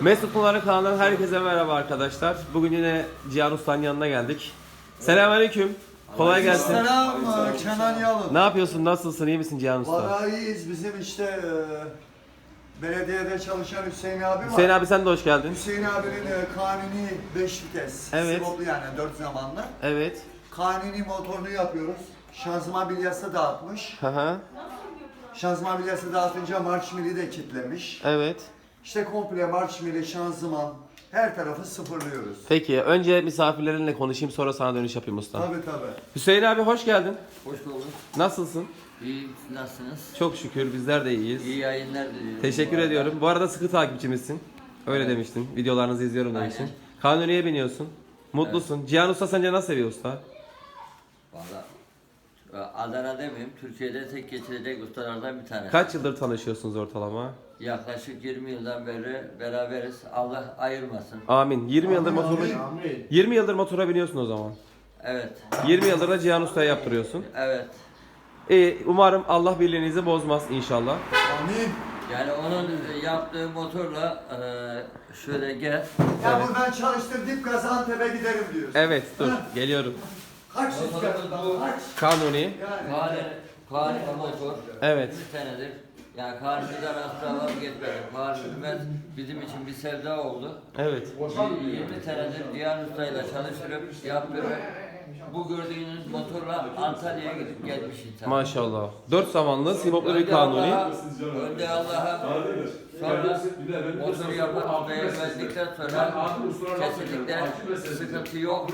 Mesut Pınar'ın kanalından herkese merhaba arkadaşlar. Bugün yine Cihan Usta'nın yanına geldik. Selamünaleyküm. Kolay gelsin. Selam Kenan Yalın. Ne yapıyorsun? Nasılsın? İyi misin Cihan Usta? Vallahi iyiyiz. Bizim işte belediyede çalışan Hüseyin abi var. Hüseyin abi sen de hoş geldin. Hüseyin abinin kanuni 5 vites. Evet. Sivoplu yani 4 zamanlı. Evet. Kanuni motorunu yapıyoruz. Şanzıman bilyası dağıtmış. Hı hı. Şanzıman bilyası dağıtınca marş mili de kitlemiş. Evet. İşte komple marş mili, şanzıman her tarafı sıfırlıyoruz. Peki önce misafirlerinle konuşayım sonra sana dönüş yapayım usta. Tabii. Hüseyin abi hoş geldin. Hoş bulduk. Nasılsın? İyi, nasılsınız? Çok şükür bizler de iyiyiz. İyi yayınlar diliyorum. Teşekkür ediyorum. Bu arada sıkı takipçimizsin. Öyle demiştin. Videolarınızı izliyorum demiştin. Aynen. Kanuni'ye biniyorsun. Mutlusun. Cihan Usta sence nasıl seviyor usta? Valla Adana demeyeyim, Türkiye'de tek geçirecek ustalardan bir tanesi. Kaç yıldır tanışıyorsunuz ortalama? Yaklaşık 20 yıldan beri beraberiz. Allah ayırmasın. Amin. 20 yıldır motora 20 yıldır motora biniyorsun o zaman. Evet. 20 yıldır da Cihan Usta'ya yaptırıyorsun. Evet. Umarım Allah birliğinizi bozmaz inşallah. Amin. Yani onun yaptığı motorla şöyle gel. Ya buradan çalıştır dip Gaziantep'e giderim diyorsun. Evet dur geliyorum. Kaç rüzgarından kaç? Kanuni. Yani. Kari motor. Evet. 20 senedir. Yani Kari'den asla vazgeçmedik. Kari bizim için bir sevda oldu. Evet. 20 senedir Cihan Usta'yla çalıştırıp yaptırıp bu gördüğünüz motorla Antalya'ya gidip gelmiş insan. Maşallah. 4 zamanlı sivoplu bir Kanuni. Önde Allah'a sonra motoru yapan ustaya verdikten sonra kesinlikle sıkıntı yok.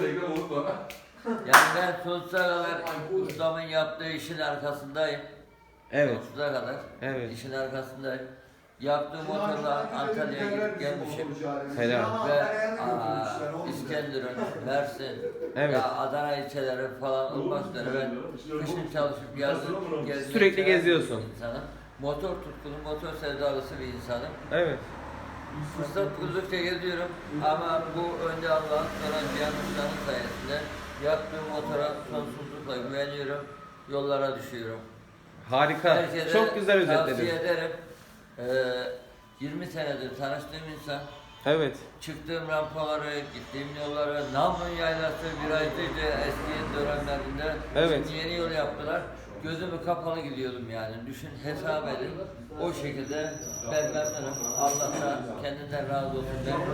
Yani ben sonsuza kadar ustamın yaptığı işin arkasındayım. Evet. Sonsuza kadar Evet. işin arkasındayım. Yaptığı motorla Antalya'ya gidip gelmişim. Helal. Ve İskenderun, Mersin, Evet. ya Adana ilçeleri falan olmak üzere ben kışın çalışıp yazın gezmeyi Sürekli seven geziyorsun. bir insanım. Motor tutkunu, motor sevdalısı bir insanım. Evet. Fırsat buldukça geziyorum ama bu önde Allah'ın sonra Cihan Usta'nın sayesinde yaptığım motora sonsuzlukla güveniyorum, yollara düşüyorum. Harika. Herkese Çok güzel tavsiye özetledin. ederim. 20 senedir tanıştığım insan, Evet. çıktığım rampaları, gittiğim yolları, Namlun Yaylası virajlıydı eski dönemlerinde. Evet. Şimdi yeni yol yaptılar. Gözümü kapalı gidiyordum yani. Düşün, hesap edin. O şekilde ben memnunum. Allah da kendinden razı olsun.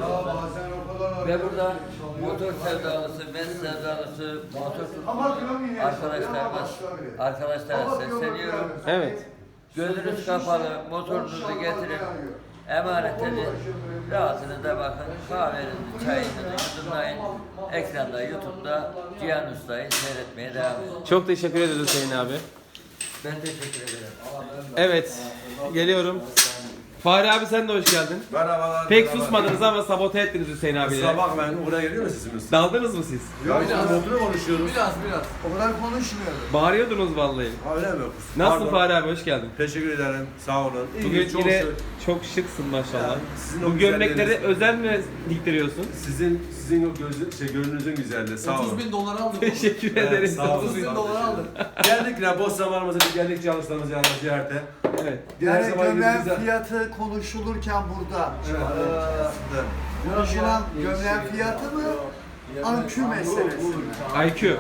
Ve burada motor sevdalısı, ben sevdalısı, motor arkadaşlara sesleniyorum. Evet. Gözünüz kapalı, motorunuzu getirin. Emanet edin. Rahatınıza bakın. Kahvenizi, çayınızı yudumlayın. Ekranda, YouTube'da Cihan Usta'yı seyretmeye devam edin. Çok teşekkür ederiz Hüseyin abi. Ben teşekkür ederim. Evet. Geliyorum. Fahri abi sen de hoş geldin. Merhabalar. Pek susmadınız ama sabote ettiniz Hüseyin abiyle. Sabah ben buraya geliyor mu sesimiz? Daldınız mı siz? Ya biz motorla konuşuyoruz. O kadar konuşmuyoruz. Bağırıyordunuz vallahi. Ha, öyle mi? Nasılsın Pardon. Fahri abi hoş geldin. Teşekkür ederim. Sağ olun. İyi, Bugün çok yine şık. çok şıksın maşallah. Ya, sizin o Bu gömlekleri güzelliğiniz- özel mi diktiriyorsun? Sizin o gönlünüzün güzelliği. Sağ olun. 30 bin dolar aldım. Teşekkür Evet, ederim. sağ olun. 30 bin dolar aldım. Geldik ya boş zamanımızda bir geldik çalıştığımız yanına ziyarete. Evet. Diğer Yani zaman gömleğin gideriz. fiyatı konuşulurken burada Evet. konuşulan gömleğin fiyatı mı? Ankü meselesi mi? IQ.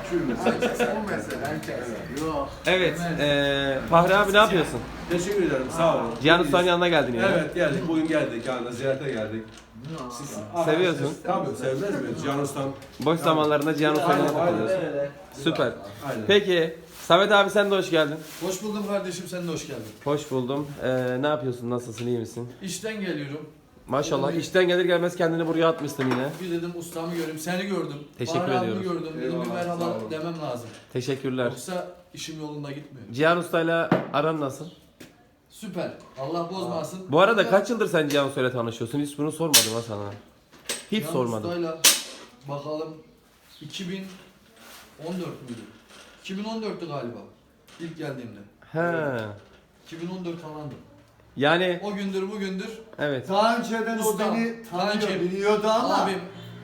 Bu mesele. Yok. Evet. Fahri abi ne yapıyorsun? Teşekkür ederim. Sağ olun. Cihan Usta'nın yanına geldin yine. Evet geldik. Bugün geldik yanına ziyarete geldik. Seviyorsun. Tabii sevmez mi? Cihan Ustam. Boş zamanlarında Cihan Usta'yla Aynen, takılıyorsun. aynen. Süper. Aynen. Peki Samet abi sen de hoş geldin. Hoş buldum kardeşim, sen de hoş geldin. Hoş buldum. Ne yapıyorsun? Nasılsın? İyi misin? İşten geliyorum. Maşallah. İşten gelir gelmez kendini buraya atmışsın yine. Bir dedim ustamı göreyim, seni gördüm. Teşekkür Bahar abimi ediyoruz. gördüm, dedim bir Eyvallah, merhaba sağ olun. demem lazım. Teşekkürler. Yoksa işim yolunda gitmiyor. Cihan Usta'yla aran nasıl? Süper, Allah bozmasın. Bu arada kaç yıldır sen Cihan Usta'yla tanışıyorsun? Hiç bunu sormadım ha sana. Hiç Yan sormadım. ustayla bakalım 2014 müydü? 2014'tü galiba ilk geldiğimde. He. 2014 falandı. Yani O gündür bugündür evet. Daha önceden o Ustam, beni tanıyor, kankim, biliyordu ama abim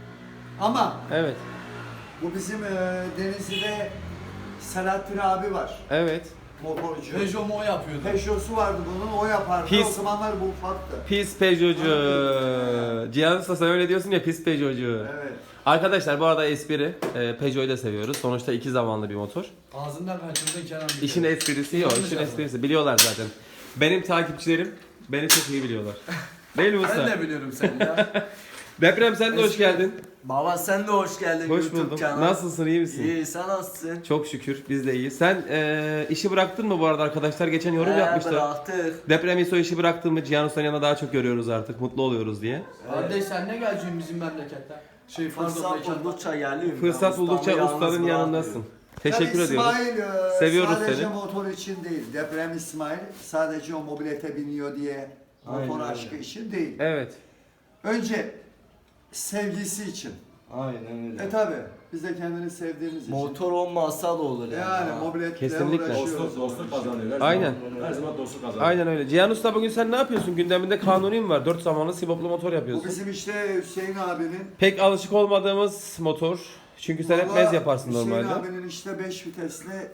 Evet. bu bizim Denizli'de Selahattin abi var. Evet. Motorcu. Peugeot'u o yapıyordu. Peugeot'su vardı bunun, o yapardı. Pis. O zamanlar bu ufaktı. Pis Peugeot'cu. Cihan Usta sen öyle diyorsun ya, pis Peugeot'cu. Evet. Arkadaşlar bu arada espri. Peugeot'u da seviyoruz. Sonuçta iki zamanlı bir motor. Ağzından kaçırdın Kenan. bir İşin kere. esprisi yok. Yanlış İşin yapma. esprisi. Biliyorlar zaten. Benim takipçilerim beni çok iyi biliyorlar. Değil mi Ben usta? de biliyorum seni ya. Deprem sen de hoş geldin. Baba sen de hoş geldin Hoş YouTube buldum. kanalına. Nasılsın, iyi misin? İyi, sen nasılsın? Çok şükür biz de iyiyiz. Sen işi bıraktın mı bu arada? Arkadaşlar geçen yorum yapmışlar. Bıraktık. Deprem İso işi bıraktın mı? Cihan Usta'nın yanında daha çok görüyoruz artık. Mutlu oluyoruz diye. Kardeş sen ne geleceksin bizim memleketten? Fırsat buldukça geliyorum. Fırsat buldukça ustanın yanındasın. Teşekkür Tabii ediyoruz. İsmail Seviyoruz sadece seni. motor için değil. Deprem İsmail sadece o mobilete biniyor diye motor Aynen aşkı için değil. Evet. Önce sevgisi için. Aynen öyle. Tabi biz de kendini sevdiğimiz için. Motor olmasa da olur yani. Yani ha. mobiletle Kesinlikle. uğraşıyoruz. Dostluk kazanıyor. Her Aynen. Zaman, her zaman dostluk kazanıyor. Aynen öyle. Cihan Usta bugün sen ne yapıyorsun? Gündeminde Kanuni mi var? 4 zamanlı siboplu motor Bu yapıyorsun. bizim işte Hüseyin abinin. Pek alışık olmadığımız motor. Çünkü sen hep Vallahi mez yaparsın Hüseyin normalde. abinin işte 5 vitesli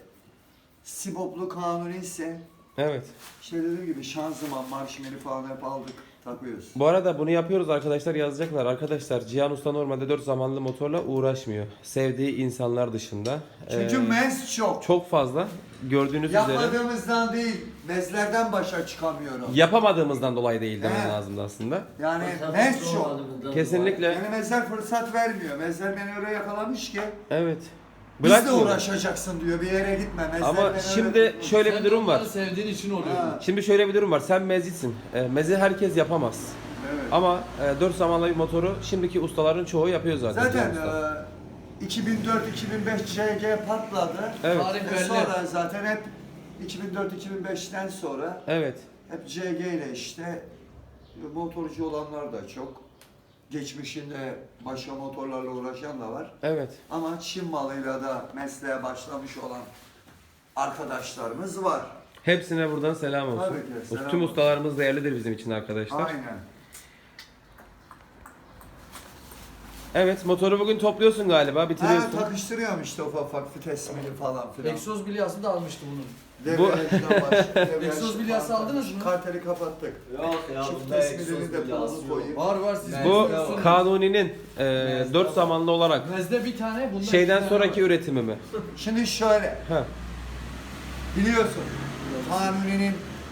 Siboplu Kanuni ise Evet. işte dediğim gibi şanzıman, marşmeli falan hep aldık, takıyoruz. Bu arada bunu yapıyoruz arkadaşlar, yazacaklar. Arkadaşlar Cihan Usta normalde 4 zamanlı motorla uğraşmıyor. Sevdiği insanlar dışında. Çünkü mez çok. Çok fazla. Gördüğünüz üzere. Yapmadığımızdan değil, mezlerden başa çıkamıyorum. Yapamadığımızdan dolayı değil demen He. lazımdı aslında. Yani Fırsat mez çok. olmadığımızdan Kesinlikle. Yani mezler fırsat vermiyor. Mezler beni öyle yakalamış ki Evet. biz de Bırakmıyor. uğraşacaksın diyor, bir yere gitme. Mezler Ama beni şimdi öyle... şöyle bir Sen durum var. onları sevdiğin için oluyor. Ha. Şimdi şöyle bir durum var. Sen mezitsin. Mezi herkes yapamaz. Evet. Ama 4 zamanlı bir motoru şimdiki ustaların çoğu yapıyor zaten. Zaten Cihan Usta. 2004-2005 CG patladı. Evet. Tarih belli. Sonra zaten hep 2004-2005'ten sonra Evet. hep CG ile işte motorcu olanlar da çok. Geçmişinde başka motorlarla uğraşan da var. Evet. Ama Çin malıyla da mesleğe başlamış olan arkadaşlarımız var. Hepsine buradan selam olsun. Tabii ki, selam Tüm olsun. ustalarımız değerlidir bizim için arkadaşlar. Aynen. Evet, motoru bugün topluyorsun galiba, Ha, bitiriyorsun. takıştırıyorum işte ufak ufak vitesini falan filan. Egzoz bilyası da almıştı bunun. Devriyajdan Egzoz bilyası aldınız mı? Karteli kapattık. Yok ya Çift bunda tesmini egzoz de bilyası pulunu yok. koyayım. Var siz. Bu Mezde- Kanuni'nin 4 zamanlı olarak Mezde bir tane bunda şeyden iki tane sonraki var. üretimi mi? Şimdi şöyle, Ha. biliyorsun Kanuni'nin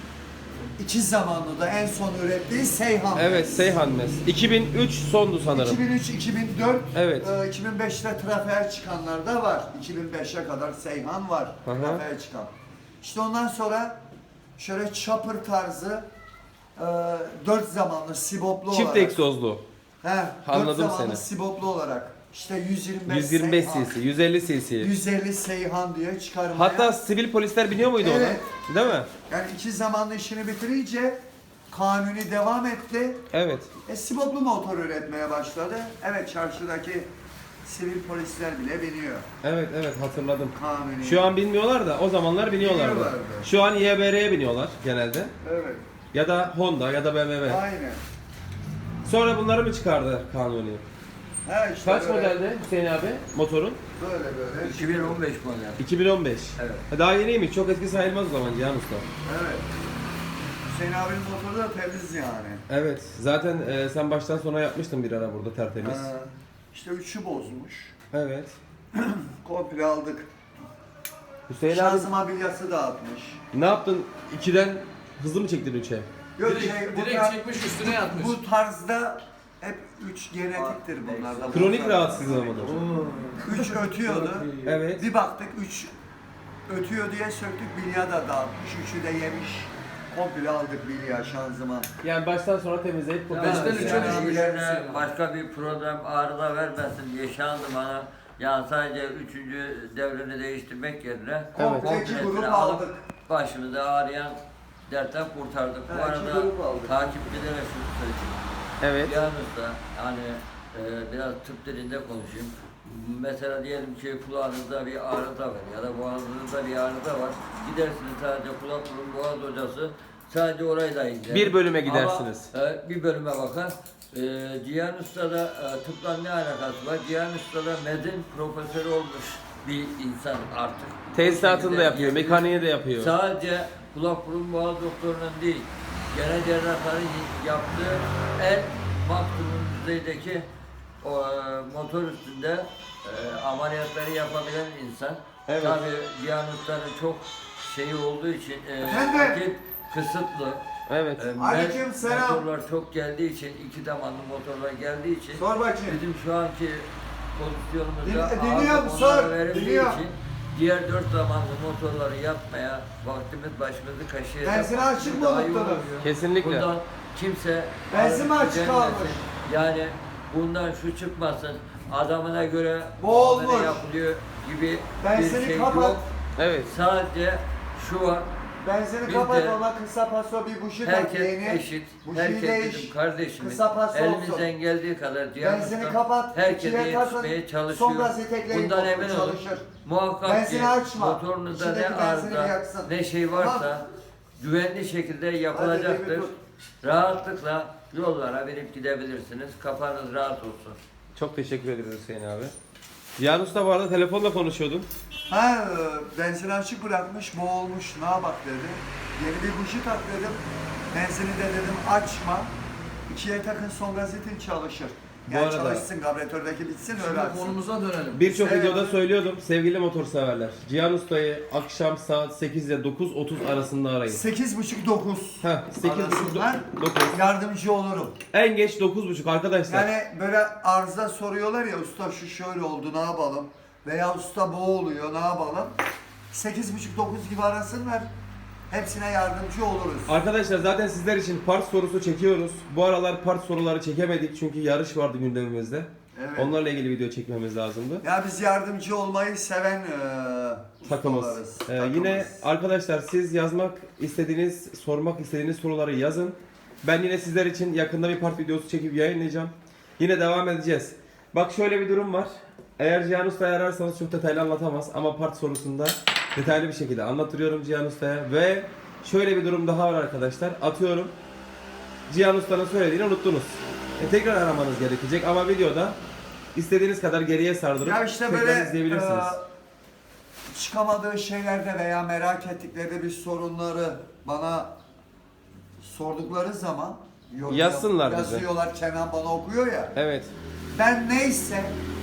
2 zamanlı da en son ürettiği Seyhan. Evet, Seyhan Mez. 2003 sondu sanırım. 2003-2004, Evet. 2005'te trafiğe çıkanlar da var. 2005'e kadar Seyhan var Hı hı. trafiğe çıkan. İşte ondan sonra şöyle chopper tarzı 4 zamanlı siboplu Çift olarak. egzozlu. He, 4 Anladım zamanlı seni. siboplu olarak. İşte 125 125 Seyhan, cc, 150 cc. 150 Seyhan diye çıkarmaya. Hatta sivil polisler biniyor muydu Evet. ona? Değil mi? Yani 2 zamanlı işini bitirince Kanuni devam etti. Evet. Siboplu motor üretmeye başladı. Evet, çarşıdaki sivil polisler bile biniyor Evet, evet hatırladım. Kanuni. Şu an bilmiyorlar da o zamanlar biniyorlardı. Biniyorlardı. Şu an YBR'ye biniyorlar genelde. Evet, Ya da Honda ya da BMW. aynen. Sonra bunları mı çıkardı Kanuni? Ha işte Kaç böyle, modelde Hüseyin abi motorun? böyle. 2015 model. 2015. Evet. Daha yeniymiş. Çok eski sayılmaz o zaman Cihan Usta. Evet. Hüseyin abinin motoru da temiz yani. Evet. Zaten sen baştan sona yapmıştın bir ara burada tertemiz. İşte 3'ü bozmuş. Evet. Komple aldık. Hüseyin abi Şanzıman bilyası dağıtmış. ne yaptın? 2'den hızlı mı çektin 3'e? Yok Direkt çekmiş üstüne yatmış. bu tarzda hep 3 genetiktir bunlarda. Kronik rahatsızlığı mıdır? 3 ötüyordu. Evet. Bir baktık 3 ötüyor diye söktük, bilya da dağıtmış. 3'ü de yemiş. Komple aldık bilya, şanzıman. Yani baştan sona temizleyip Ya, kurtarmışsın. Beşten üçe yani düşmüş. üzerine başka bir problem arıza vermesin diye şanzımana yani sadece 3. devrini değiştirmek yerine Evet. Komple 2 kompletini grup alıp aldık. başımızı ağrıyan dertten kurtardık. Bu Evet, iki arada grup aldık. takipçilere şunu söyleyeyim. Evet. Yalnız da hani biraz tıp dilinde konuşayım. Mesela diyelim ki kulağınızda bir arıza var ya da boğazınızda bir arıza var. Gidersiniz sadece kulak burun boğaz hocası sadece orayı da inceler. Bir bölüme gidersiniz. Ama, bir bölüme bakar. Cihan Usta'da tıpla ne alakası var? Cihan Usta'da medin profesörü olmuş bir insan artık. Tesisatını Bu da şekilde yapıyor, diyebiliriz. mekaniği de yapıyor. Sadece kulak burun boğaz doktorunun değil, genel cerrahların yaptığı en maksimum düzeydeki o, motor üstünde ameliyatları yapabilen insan. Evet. Tabii Cihan Usta'nın çok şeyi olduğu için Efendim? vakit kısıtlı. Evet. Aleykümselam. Motorlar çok geldiği için, iki damarlı motorlar geldiği için Sor bakayım. bizim şu anki pozisyonumuzda Dinliyorum, ağırlık sor, onlara verildiği dinliyorum. için diğer 4 zamanlı motorları yapmaya vaktimiz başımızı kaşıyacak. Benzin açık mı Daha iyi unuttunuz? oluyor. Kesinlikle. Bundan kimse Benzin mi alıp açık gücenmesin. kalmış? Yani bundan şu çıkmasın, adamına göre Bu olmuş. muamele yapılıyor gibi Benzini bir şey kapat. yok. Evet. Sadece şu var, Benzini Biz kapat de- ona kısa paso bir buji tak herkes yeni. eşit, Bujiyi herkes değiş. bizim kardeşimiz. Kısa pas Elimizden olsun. geldiği kadar Cihan Benzini Usta kapat. herkese ikiye takın, yetişmeye Son çalışıyor. gazı tekleyin. Bundan motor emin olun. çalışır. Muhakkak Benzini ki açma. motorunuzda ne İçindeki benzini arıza, yaksın. ne şey varsa güvenli şekilde yapılacaktır. Hadi, Rahatlıkla yollara binip gidebilirsiniz. Kafanız rahat olsun. Çok teşekkür ederiz Hüseyin abi. Cihan Usta bu arada telefonla konuşuyordun. Ha, benzini açık bırakmış, boğulmuş, ne bak dedi. Yeni bir buji tak dedim. Benzini de dedim açma. İkiye takın son gazetin çalışır. Bu Yani arada- çalışsın, kabretördeki bitsin öyle Şimdi açsın. konumuza dönelim. Birçok Evet. videoda söylüyordum sevgili motorseverler. Cihan Usta'yı akşam saat 8 ile 9:30 arasında arayın. 8.30-9 Heh, 8:30 arasında 9. yardımcı olurum. En geç 9:30 arkadaşlar. Yani böyle arıza soruyorlar ya, usta şu şöyle oldu ne yapalım? Veya usta bu oluyor ne yapalım? 8.30-9 gibi arasınlar. Hepsine yardımcı oluruz. Arkadaşlar zaten sizler için part sorusu çekiyoruz. Bu aralar part soruları çekemedik çünkü yarış vardı gündemimizde. Evet. Onlarla ilgili video çekmemiz lazımdı. Ya biz yardımcı olmayı seven Takımız. ustalarız. Yine arkadaşlar siz yazmak istediğiniz, sormak istediğiniz soruları yazın. Ben yine sizler için yakında bir part videosu çekip yayınlayacağım. Yine devam edeceğiz. Bak şöyle bir durum var. Eğer Cihan Usta'yı ararsanız çok detaylı anlatamaz ama part sorusunda detaylı bir şekilde anlatıyorum Cihan Usta'ya. Ve şöyle bir durum daha var arkadaşlar. Atıyorum Cihan Usta'nın söylediğini unuttunuz. Tekrar aramanız gerekecek ama videoda istediğiniz kadar geriye sardırıp Ya işte tekrar böyle izleyebilirsiniz. çıkamadığı şeylerde veya merak ettikleri bir sorunları bana sordukları zaman Yazsınlar bize. yazıyorlar, Kenan bana okuyor ya. Evet. Ben neyse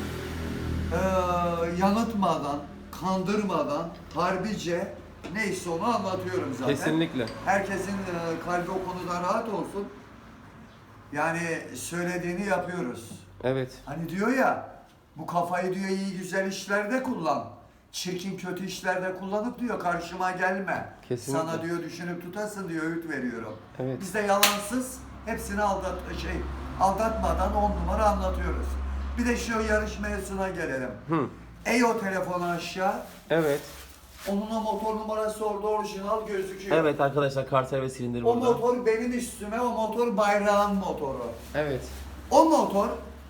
yanıltmadan, kandırmadan, harbice neyse onu anlatıyorum zaten. Kesinlikle. Herkesin kalbi o konuda rahat olsun. Yani söylediğini yapıyoruz. Evet. Hani diyor ya, bu kafayı diyor iyi güzel işlerde kullan. Çirkin kötü işlerde kullanıp diyor karşıma gelme. Kesinlikle. Sana diyor düşünüp tutasın diyor, öğüt veriyorum. Evet. Biz de yalansız hepsini aldatmadan 10 numara anlatıyoruz. Bir de şu yarış mevzusuna gelelim. Hı. O telefonu aşağı. Evet. Onun o motor numarası orada orijinal gözüküyor. Evet arkadaşlar karter ve silindir O burada. motor benim üstüme, o motor bayrağın motoru. Evet. O motor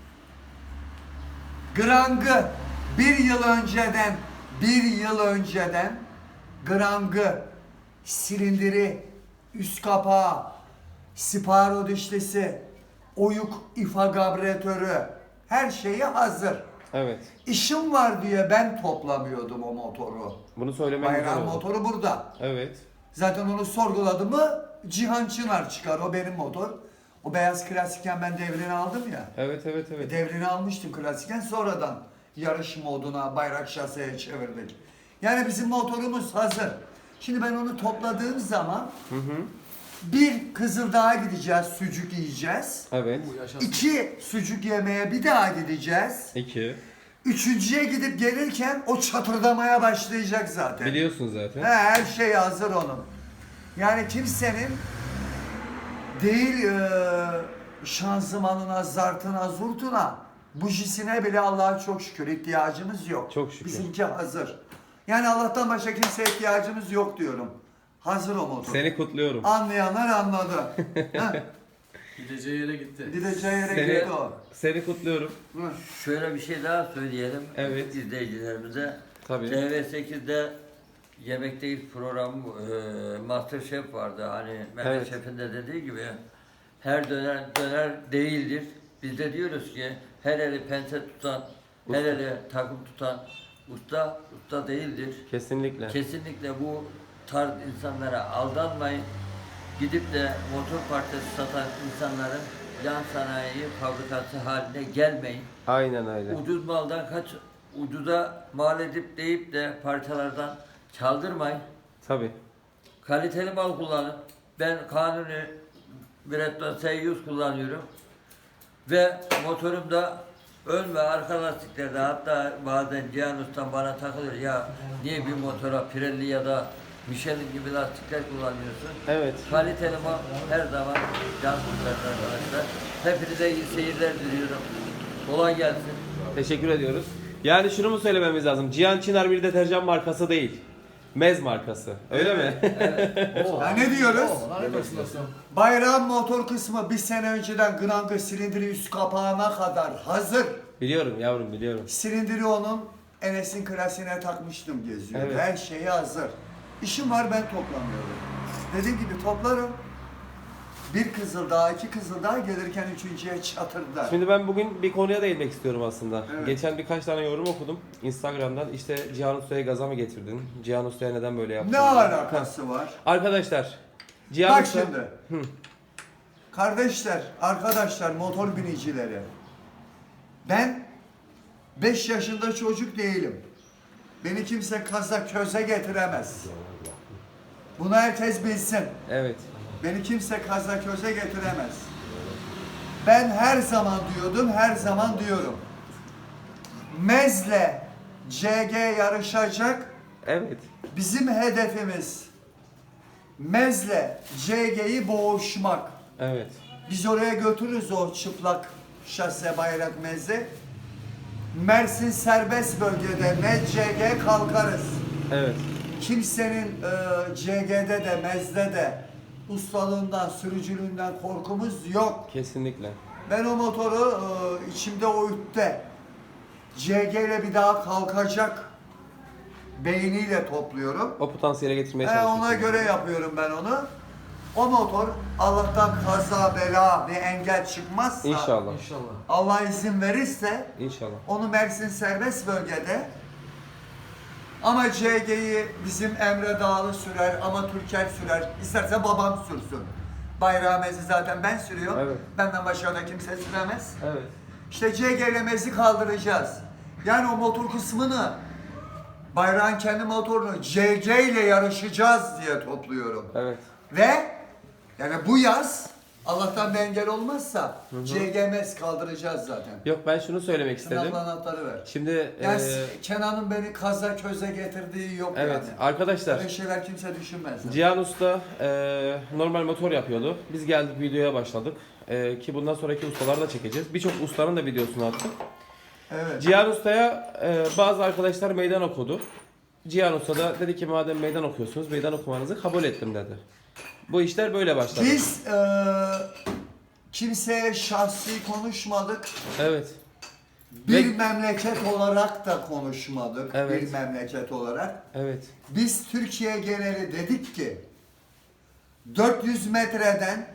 Grang'ı bir yıl önceden Grang'ı, silindiri, üst kapağı, sparo dişlisi, oyuk ifa kabretörü, her şeyi hazır. Evet. İşim var diye ben toplamıyordum o motoru. Bunu söylemen güzel Bayrağın oldu. motoru burada. Evet. Zaten onu sorguladım mı Cihan Çınar çıkar, o benim motor. O beyaz klasikken ben devrini aldım ya. Evet. Devrini almıştım klasikken, sonradan yarış moduna, bayrak şaseye çevirdik. Yani bizim motorumuz hazır. Şimdi ben onu topladığım zaman bir Kızıldağ'a gideceğiz, sucuk yiyeceğiz. Evet. Bu yaşasın. 2 sucuk yemeye bir daha gideceğiz. 2. Üçüncüye gidip gelirken o çatırdamaya başlayacak zaten. Biliyorsun zaten. Her şey hazır onun. Yani kimsenin değil şanzımanına, zartına, zurtuna, bujisine bile Allah'a çok şükür ihtiyacımız yok. Çok şükür. Bizimki hazır. Yani Allah'tan başka kimseye ihtiyacımız yok diyorum. Hazır o motor. Seni kutluyorum. Anlayanlar anladı. Heh, Gideceği yere gitti. gideceği yere Seni, gitti o. seni kutluyorum. Hı. Şöyle bir şey daha söyleyelim Evet. izleyicilerimize. Tabii. TV8'de Yemekteyiz programı Masterchef vardı. Hani Mehmet Evet. Şef'in de dediği gibi her döner değildir. Biz de diyoruz ki her eli pense tutan, her eli takım tutan usta değildir. Kesinlikle. Kesinlikle bu tarz insanlara aldanmayın. Gidip de motor parçası satan insanların yan sanayi fabrikası haline gelmeyin. Aynen öyle. Ucuz maldan ucuza mal edip deyip de parçalardan çaldırmayın. Tabii. Kaliteli mal kullanın. Ben Kanuni Breton S100 kullanıyorum. Ve motorumda ön ve arka lastiklerde, hatta bazen Cihan Usta'm bana takılır, ya niye bir motora Pirelli ya da Michelin gibi lastikler kullanıyorsun? Evet. Kaliteli mal her zaman can kurtarır arkadaşlar. Hepinize iyi seyirler diliyorum. Kolay gelsin. Teşekkür ediyoruz. Yani şunu mu söylememiz lazım? Cihan Çınar bir deterjan markası değil. Mez markası. Öyle mi? Ya ne diyoruz? Bayrağın motor kısmı bir sene önceden Gnangı silindiri üst kapağına kadar hazır. Biliyorum yavrum, biliyorum. Silindiri onun Enes'in klasiğine takmıştım geziyor. Evet. Her şeyi hazır. İşim var, ben toplamıyorum. Dediğim gibi toplarım. Bir Kızıldağ, 2 Kızıldağ gelirken üçüncüye çatırdılar. Şimdi ben bugün bir konuya değinmek istiyorum aslında. Evet. Geçen birkaç tane yorum okudum Instagram'dan. İşte Cihan Usta'ya gaza mı getirdin? Cihan Usta'ya neden böyle yaptın? Ne alakası var? Arkadaşlar, Cihan Bak Usta... şimdi. Kardeşler, arkadaşlar, motor binicileri. Ben 5 yaşında çocuk değilim. Beni kimse kaza köze getiremez. Bunu herkes bilsin. Evet. Beni kimse kaza köze getiremez. Ben her zaman diyordum, her zaman diyorum. Mez'le CG yarışacak. Evet. Bizim hedefimiz Mez'le CG'yi boğuşmak. Evet. Biz oraya götürürüz o çıplak şase bayrak Mez'i. Mersin serbest bölgede Mez CG kalkarız. Evet. Kimsenin CG'de de Mez'de de ustalığından, sürücülüğünden korkumuz yok. Kesinlikle. Ben o motoru içimde o ütte CG ile bir daha kalkacak beyniyle topluyorum. O potansiyele getirmeye çalışıyorsun. Ona göre yapıyorum ben onu. O motor Allah'tan kaza bela bir engel çıkmazsa, İnşallah. Allah izin verirse İnşallah. onu Mersin serbest bölgede, ama CG'yi bizim Emre Dağlı sürer, ama Türker sürer. İsterse babam sürsün. Bayrağı Mez'i zaten ben sürüyorum. Evet. Benden başka da kimse süremez. Evet. İşte CG ile Mez'i kaldıracağız. Yani o motor kısmını, bayrağın kendi motorunu CG ile yarışacağız diye topluyorum. Evet. Ve yani bu yaz Allah'tan bir engel olmazsa CGMS kaldıracağız zaten. Yok, ben şunu söylemek istedim. Sınavla anahtarı ver. Şimdi Yani Kenan'ın beni kaza köze getirdiği yok evet yani. arkadaşlar, Böyle şeyler kimse düşünmez. Cihan Usta normal motor yapıyordu. Biz geldik, videoya başladık. Ki bundan sonraki ustaları da çekeceğiz. Birçok ustanın da videosunu attık. Evet. Cihan Usta'ya bazı arkadaşlar meydan okudu. Cihan Usta da dedi ki madem meydan okuyorsunuz, meydan okumanızı kabul ettim dedi. Bu işler böyle başladı. Biz kimseye şahsi konuşmadık. Evet. Bir Ve- memleket olarak da konuşmadık. Evet. Bir memleket olarak. Evet. Biz Türkiye geneli dedik ki 400 metreden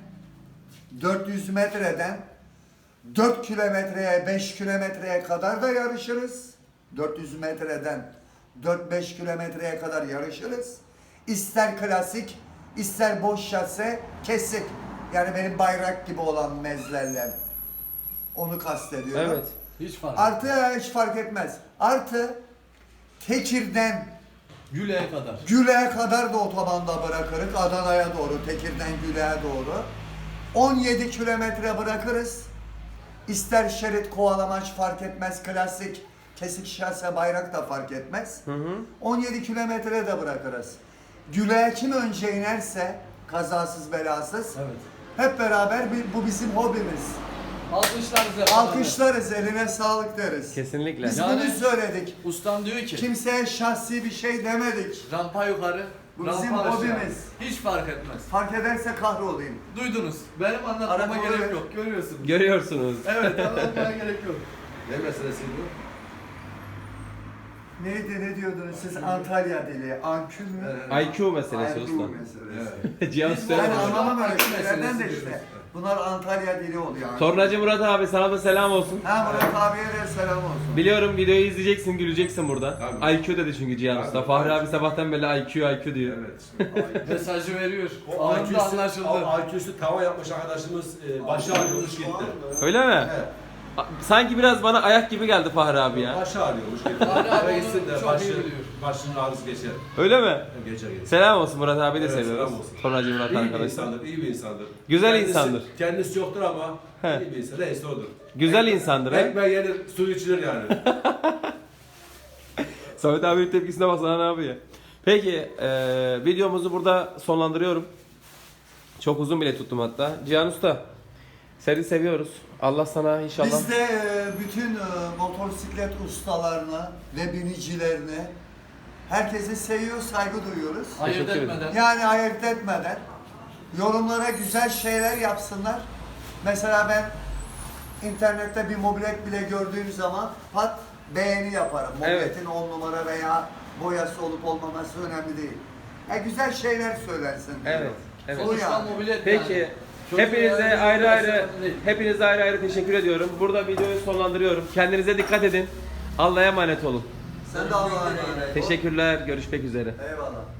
4 kilometreye 5 kilometreye kadar da yarışırız. 400 metreden 4-5 kilometreye kadar yarışırız. İster klasik, ister boş şase, kesik. Yani benim bayrak gibi olan mezlerle. Onu kastediyorum. Evet. Hiç fark Artı hiç fark etmez. Artı Tekir'den Güle'ye kadar. Güle'ye kadar da otobanda bırakırız. Adana'ya doğru, Tekir'den Güle'ye doğru. 17 kilometre bırakırız. İster şerit kovalamaç fark etmez. Klasik, kesik şase bayrak da fark etmez. 17 kilometre de bırakırız. Güle'ye kim önce inerse kazasız belasız. Evet. Hep beraber bu bizim hobimiz. Alkışlarınızı Alkışlarız, eline sağlık deriz. Kesinlikle. Biz Yani- bunu söyledik. Ustam diyor ki Kimseye şahsi bir şey demedik. rampa yukarı, Bu rampa bizim aşağı. hobimiz. Hiç fark etmez. Fark ederse kahrolayım. Duydunuz. Benim anlatmama Araba gerek oraya- yok. Görüyorsunuz. Görüyorsunuz. Evet, anlatmaya gerek yok. Ne meselesi bu? Neydi ne diyordunuz siz Antalya dili? Ankül mü? IQ meselesi IQ usta. meselesi. Cihan Ben Usta. anlamam öyle şeylerden de işte. Bunlar Antalya dili oluyor. Tornacı Murat abi sana da selam olsun. Ha Murat abiye de selam olsun. Biliyorum videoyu izleyeceksin, güleceksin burada. Tabii. IQ dedi çünkü Cihan Tabii. Usta. Fahri abi sabahtan beri IQ diyor. Evet. Mesajı veriyor. O Anında anlaşıldı. IQ'su tava yapmış arkadaşımız başı ağrıyormuş gitti. Öyle mi? Evet. Sanki biraz bana ayak gibi geldi Fahri abi ya. Başı ağrıyormuş gitti. Fahri abi Eve gitsin onu de çok iyi biliyor. başının ağrısı geçer. Öyle mi? Geçer geçer. Selam olsun Murat abi de Evet, seviyoruz. selam olsun. Tornacı Murat İyi bir arkadaşlar. insandır, iyi bir insandır. Güzel insandır. Kendisi yoktur ama He. iyi bir insan. Neyse odur. Güzel insandır he. Ekmeği yenir, suyu içilir yani. Samet abinin tepkisine baksana ne yapıyor. Peki videomuzu burada sonlandırıyorum. Çok uzun bile tuttum hatta. Cihan Usta seni seviyoruz. Allah sana inşallah. Biz de bütün motosiklet ustalarına ve binicilerine herkesi seviyor, saygı duyuyoruz. Ayırt Teşekkür ederim. etmeden. Yani ayırt etmeden yorumlara güzel şeyler yapsınlar. Mesela ben internette bir mobilet bile gördüğüm zaman pat beğeni yaparım. Mobiletin 10 numara veya boyası olup olmaması önemli değil. Güzel şeyler söylensin. Evet. Evet. Bu Sonuçta yani. mobilet Peki. yani. Çocuğu Hepinize yani ayrı ayrı önemli değil. hepinize ayrı ayrı teşekkür ediyorum. Burada videoyu sonlandırıyorum. Kendinize dikkat edin. Allah'a emanet olun. Sen de Allah'a emanet ol. Teşekkürler. Görüşmek üzere. Eyvallah.